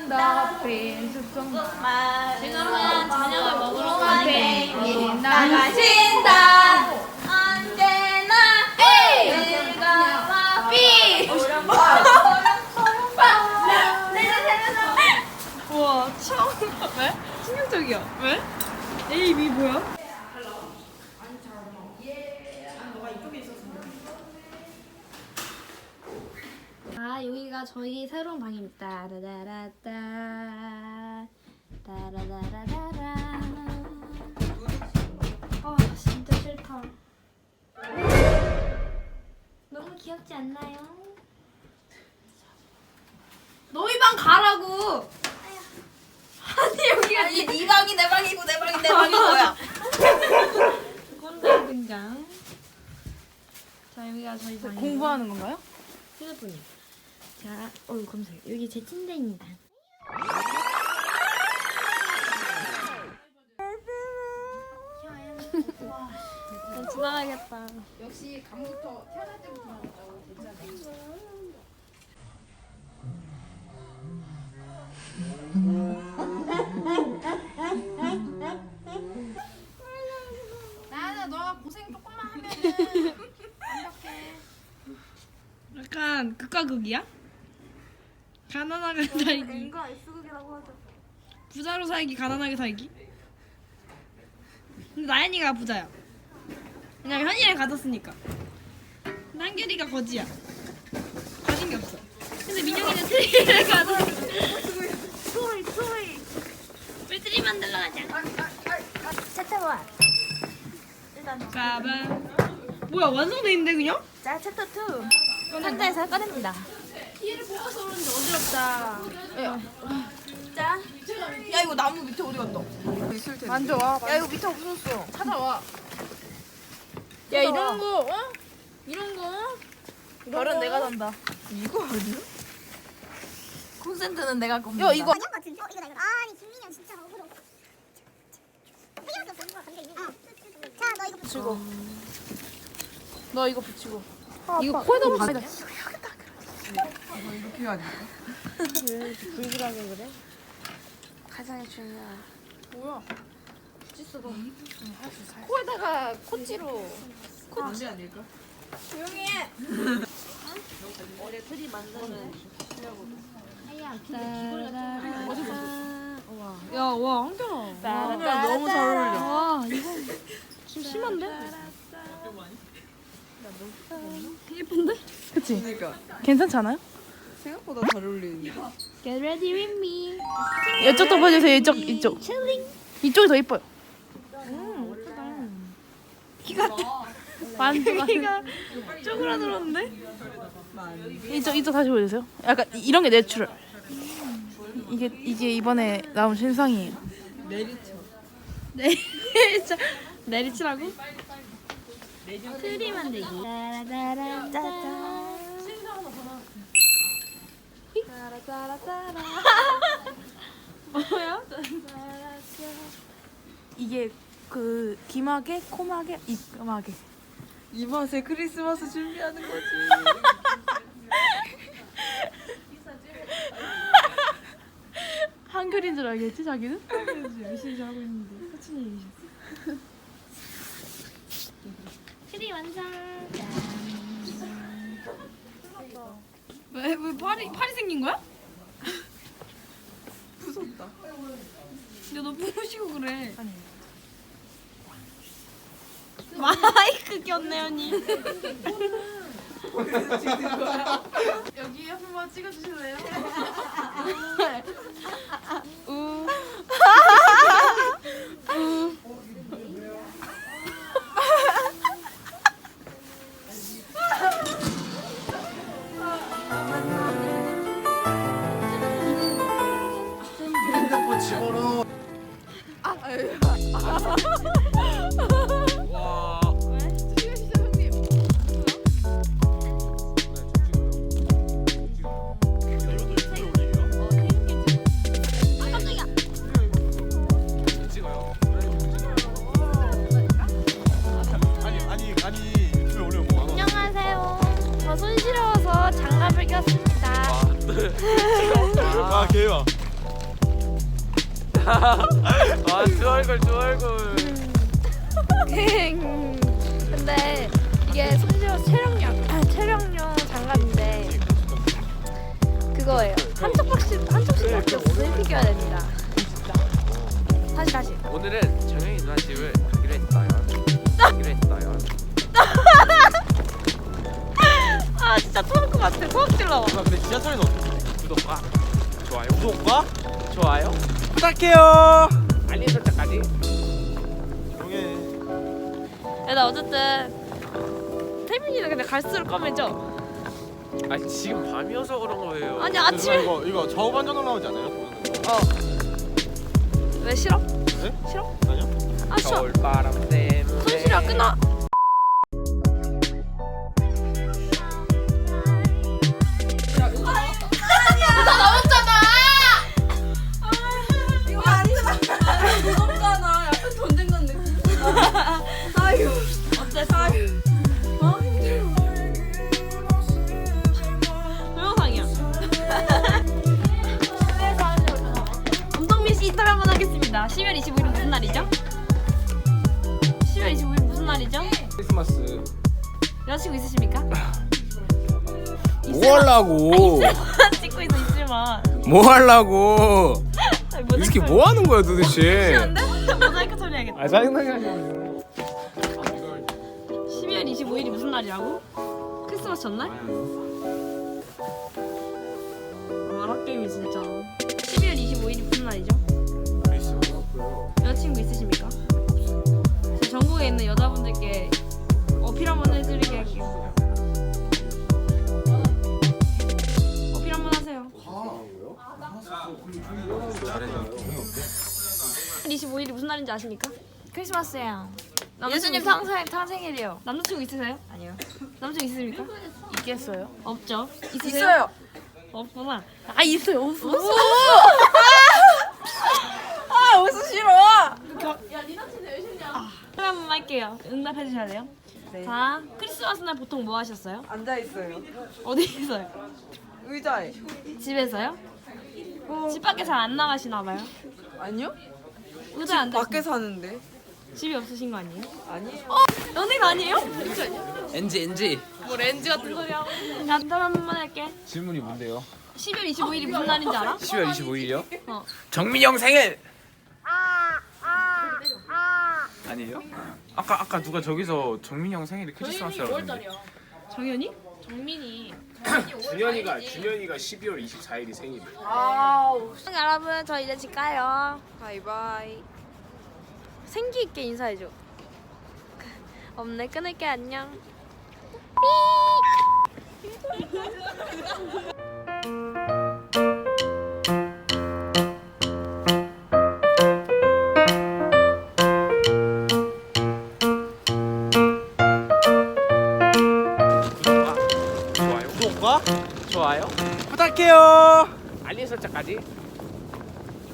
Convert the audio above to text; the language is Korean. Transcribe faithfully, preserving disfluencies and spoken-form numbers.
더 프린스 송. 지금은 저녁을 먹으러 가는 펭귄 나가신다. 언제나 즐거워 삐. 우와 처음. 왜? 충격적이야. 왜? A, B 뭐야? 아 여기가 저희 새로운 방입니다. 따라라라따 따라라라라라. 아 진짜 싫다. 너무 귀엽지 않나요? 너희 방 가라고. 아니 여기가 아니 네 방이 내 방이고 내 방이 내 방인 거야. 꼰대 등장. 자 여기가 저희 방. 공부하는 건가요? 휴대폰이요. 자, 어 검색. 여기 제 침대입니다. 난 지나가겠다. 역시 감부터 태어날 때부터 나왔다고 괜찮아. 나는 너가 고생 조금만 하면은 완벽해. 약간 극과 극이야? 가난하게 살기. N과 S극이라고 하죠. 부자로 살기, 가난하게 살기. 근데 나연이가 부자야. 왜냐면 현이를 가졌으니까. 근데 한결이가 거지야. 가진 게 없어. 근데 민영이는 트리를 가졌어. 토이 토이. 우리 트리 만들러 가자. 챕터 원. 일단 가방. 뭐야 완성돼 있는데 그냥? 자 챕터 투. 상자에서 꺼냅니다. 얘를 뽑아서 그런지 어지럽다. 자. 야 이거 나무 밑에 어디 갔다? 만져와. 야 이거 밑에 없어졌어. 찾아와. 야 이런 거, 어? 이런 거? 별은 내가 산다. 이거 아니야? 콘센트는 내가 겁니다. 야 이거 아니야 같은데? 어 이거다 이거. 아니 김민영 진짜 억울해. 해결할 수 없어 이거 관계 있는. 어. 자너 이거 붙이고. 너 이거 붙이고. 이거 코에다 붙여. 이렇게 해야 돼. 불길하게 그래? 가장의 중요한. 뭐야? 코에다가 코치로. 코치 아닐까? 조용히 해. 어제 트리 만드는 하야 야, 와, 한결아. 한결아 너무 잘 어울려. 와, 이거 좀 심한데? 예쁜데? 그치? 그러니까 괜찮지 않아요? 생각보다 잘 어울리는데. Get ready with me. 이쪽도 보여주세요. 이쪽, 이쪽. 칠링. 이쪽이 더 예뻐요. 키가 만두가 키가 쪼그라들었는데? 이쪽, 이쪽 다시 보여주세요. 약간 이런 게 내추럴. 이게 이게 이번에 나온 신상이에요. 내리쳐. 내리치 내리치라고? 트리 만들기. 따라따라따따. 뭐야? 이게 그 귀마개, 코마개, 입마개. 이 맛에 크리스마스 준비하는 거지. 한글인 줄 알겠지 자기는? 그래서 열심히 하고 있는데 사춘 얘기셨어. 트리 완성. 왜, 왜 팔이 팔이 생긴 거야? 무섭다. 근데 너 부으시고 그래. 아니. 마이크 꼈네 언니. 여기 한번 찍어주실래요? 우. 핸드폰 집어넣어. 와. 찍으시죠 형님. 이것도 유튜브에 올리게요? 아 깜짝이야. 찍어요. 아니 아니 아니 유튜브에 올리면 뭐 하나? 안녕하세요. 저 손시려워서 장갑을 꼈습니다. 아, 네. 아, 개와. 아, 두 얼굴, 두 얼굴. 근데 이게 심지어 체력용 아, 체력용 장갑인데 그거예요. 한쪽밖에 한쪽씩밖에 없어서 이렇게 껴야 됩니다. 다시 다시. 오늘은 정영이 누나 집을 가기로 했어요. 가기로 했어요. 아 진짜 토할 것 같아. 토할 질 나와. 아, 근데 지하철에는 어떻게? 구독과 좋아요. 구독과 좋아요. 부탁해요. 알림 설정까지. 조용해. 야, 나 어쨌든 태민이는 근데 갈수록 검해져. 아니 지금 밤이어서 그런 거예요. 아니 누나 아침에 이거 이거 좌우 반전으로 나오지 않아요? 보는 거. 어. 왜 싫어? 네? 싫어? 아니요? 아 싫어. 겨울바람 때문에. 손실이야 끊어. 동영상이야. 엄동민 씨 인터뷰 한번 하겠습니다. 십이월 이십오일은 무슨 날이죠? 십이월 이십오일 무슨 날이죠? 크리스마스. 여자친구 있으십니까? 뭐 하려고? 찍고 있어 있을만. 뭐 하려고? 아니, 이 새끼 뭐 하는 거야 도대체? 안 돼? 모자이크 처리해야겠다. 아 짜증나게 하지 마. 십이월 이십오일이 무슨 날이라고? 크리스마스 전날? 마라게임이 진짜. 십이월 이십오일이 무슨 날이죠? 여자친구 있으십니까? 제 전국에 있는 여자분들께 어필 한번 해드리게 할게요. 어필 한번 하세요. 이십오일이 무슨 날인지 아십니까? 크리스마스예요. 예수님 예수님 탄생 탄생일이요. 남자친구 있으세요? 아니요. 남자친구 있으십니까? 있겠어요? 없죠. 있으세요? 있어요. 없구나. 아 있어요. 없어. 아 웃음 싫어. 한 번만 할게요. 응답해 주셔야 돼요. 네. 자, 크리스마스 날 보통 뭐 하셨어요? 앉아 있어요. 어디에서요? 의자에. 집에서요? 집 밖에 잘 안 나가시나 봐요. 아니요? 의자에 앉아 밖에 사는데. 집이 없으신 거 아니에요? 아니에요. 연예인 아니에요? 엔지 엔지. 뭐 렌즈 같은 소리 하고. 자, 응답 한 번만 할게. 질문이 뭔데요? 십이월 이십오일이 무슨 날인지 알아? 십이월 이십오일이요? 어. 정민이 형 생일. 아니에요? 아까 아까 누가 저기서 정민이 형 생일이 크리스마스라고 했는데. 정연이? 준현이가 준현이가 십이월 이십사일이 생일이에요. 여러분, 저 이제 집 가요. 바이바이. 생기 있게 인사해줘. 없네, 끊을게. 안녕. 구독과 좋아요. 구독과 좋아요. 부탁해요. 알림 설정까지.